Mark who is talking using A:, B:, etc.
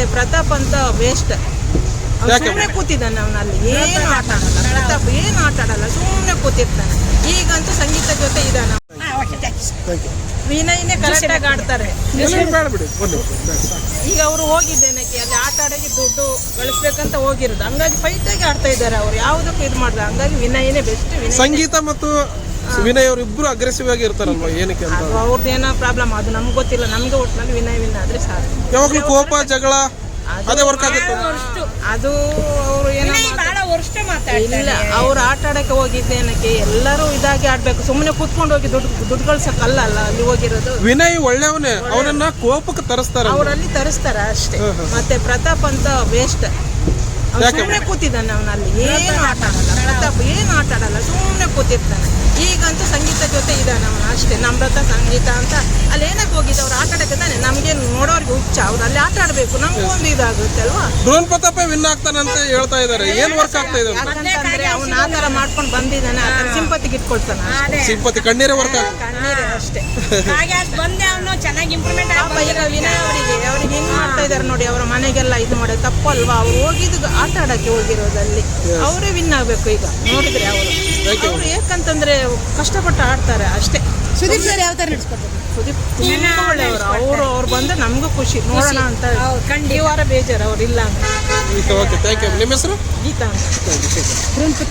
A: ಪ್ರತಾಪ್ ಅಂತ ವೇಸ್ಟ್. ಸುಮ್ಮನೆ ಕೂತಿದ್ದಾನೆ ಅವನಲ್ಲಿ, ಏನು ಆಟ ಆಡಲ್ಲ. ಪ್ರತಾಪ್ ಏನು ಆಟ ಆಡಲ್ಲ, ಸುಮ್ಮನೆ ಕೂತಿರ್ತಾನೆ. ಈಗಂತೂ ಸಂಗೀತ ಜೊತೆ ಇದ್ದಾನೆ. ವಿನಯ್ನೇ ಕರೆಕ್ಟಾಗಿ ಆಡ್ತಾರೆ. ಈಗ ಅವರು ಹೋಗಿದ್ದೇನಕ್ಕೆ ಅಲ್ಲಿ ಆಟ ಆಡೋಕೆ ದುಡ್ಡು ಗಳಿಸ್ಬೇಕಂತ ಹೋಗಿರೋದು, ಹಂಗಾಗಿ ಫೈಟಾಗಿ ಆಡ್ತಾ ಇದ್ದಾರೆ. ಅವ್ರು ಯಾವುದಕ್ಕೂ ಇದು ಮಾಡಿದ, ಹಂಗಾಗಿ ವಿನಯ್ನೇ ಬೆಸ್ಟ್.
B: ಸಂಗೀತ ಮತ್ತು ವಿನಯ್ ಅವರು ಇಬ್ರು ಅಗ್ರೆಸಿವ್ ಆಗಿ ಇರ್ತಾರಲ್ವಾ, ಏನಕ್ಕೆ ಅಂತ?
A: ಅವ್ರದ್ದು ಏನೋ ಪ್ರಾಬ್ಲಮ್, ಅದು ನಮ್ಗೆ ಗೊತ್ತಿಲ್ಲ. ನಮ್ಗೆ ಒಟ್ಟಿನಲ್ಲಿ ವಿನಯ್ ವಿನ್ ಆದ್ರೆ ಸಾಕು.
B: ಯಾವಾಗಲೂ ಕೋಪ ಜಗಳ ಅದೇ ವರ್ಕ್ ಆಗುತ್ತೆ.
A: ಅದು ಅವರು ಏನೋ ಇಲ್ಲ, ಅವ್ರು ಆಟ ಆಡಕ್ಕೆ ಹೋಗಿದ್ದೇನಕ್ಕೆ ಎಲ್ಲರೂ ಇದಾಗಿ ಆಡ್ಬೇಕು. ಸುಮ್ಮನೆ ಕೂತ್ಕೊಂಡು ಹೋಗಿ ದುಡ್ಡು ಗಳಿಸಕ್ಕಲ್ಲ ಅಲ್ಲಿ ಹೋಗಿರೋದು.
B: ವಿನಯ್ ಒಳ್ಳೆಯವನೇ, ಅವನನ್ನ ಕೋಪಕ್ಕೆ ತರಿಸ್ತಾರೆ,
A: ಅವರಲ್ಲಿ ತರಿಸ್ತಾರ ಅಷ್ಟೇ. ಮತ್ತೆ ಪ್ರತಾಪ್ ಅಂತ ವೇಸ್ಟ್. ಸುಮ್ಮನೆ ಕೂತಿದ್ದಾನೆ ಅವನಲ್ಲಿ, ಏನು ಆಟ ಆಡಲ್ಲ. ಪ್ರತಾಪ್ ಏನು ಆಟ ಆಡಲ್ಲ, ಸುಮ್ಮನೆ ಕೂತಿರ್ತಾನೆ. ಈಗಂತೂ ಸಂಗೀತ ಜೊತೆ ಇದ್ದಾನೆ ಅವನು ಅಷ್ಟೇ. ನಮ್ರತ ಸಂಗೀತ ಅಂತ ಅಲ್ಲಿ ಏನಕ್ಕೆ ಹೋಗಿದ್ದ, ಅವ್ರು ಆಟ ಆಡಕ್ಕೆ ತಾನೆ. ನಮ್ಗೆ ನೋಡೋರ್ಗೆ ಹುಚ್ಚ, ಅವ್ರು ಅಲ್ಲಿ ಆಟ ಆಡ್ಬೇಕು, ನಮ್ಗೂ ಒಂದು ಇದಾಗುತ್ತೆ ಅಲ್ವಾ.
B: ಡ್ರೋನ್ ಪ್ರತಾಪ ವಿನ್ ಆಗ್ತಾನಂತ ಹೇಳ್ತಾ ಇದಾರೆ, ಏನ್ ವರ್ಕ್ ಆಗ್ತಾ ಇದೆ?
A: ಯಾಕಂತಂದ್ರೆ ಅವ್ನು ಆ ತರ ಮಾಡ್ಕೊಂಡು ಬಂದಿದ್ದಾನೆ, ಆ ತರ ಸಿಂಪತಿಗೆ ಇಟ್ಕೊಳ್ತಾನೆ.
B: ಸಿಂಪತಿ ಕಣ್ಣೀರೇ ವರ್ಕ್ ಆಗ್ತದೆ,
A: ಕಣ್ಣೀರೇ ಅಷ್ಟೇ. ಪಾಪ ಈಗ ವಿನಯ್ ಅವ್ರಿಗೆ ಹೆಂಗ್ ಮಾಡ್ತಾ ಇದಾರೆ ನೋಡಿ. ಅವರ ಮನೆಗೆಲ್ಲ ಇದು ಮಾಡೋದು ತಪ್ಪಲ್ವಾ? ಅವ್ರು ಹೋಗಿದ್ದು ಆಟ ಆಡಕ್ಕೆ ಹೋಗಿರೋದಲ್ಲಿ ಅವರೇ ವಿನ್ ಆಗ್ಬೇಕು. ಈಗ ನೋಡಿದ್ರೆ ಅವರು ಯಾಕಂತಂದ್ರೆ ಕಷ್ಟಪಟ್ಟು ಆಡ್ತಾರೆ ಅಷ್ಟೇ.
C: ಸುದೀಪ್ ಸರ್ ಯಾವ ತರ ನಡೆಸ್ಕೊಡ್ತಾರೆ?
A: ಸುದೀಪ್ ತುಂಬಾ ಒಳ್ಳೆಯವರು. ಅವ್ರು ಬಂದ್ರೆ ನಮಗೂ ಖುಷಿ, ನೋಡೋಣ ಅಂತ. ಈ ವಾರ ಬೇಜಾರು ಅವ್ರು ಇಲ್ಲ ಅಂತ.
B: Okay, thank you. ನಿಮ್ಮ ಹೆಸರು?
A: ಗೀತಾ ಅಂತ.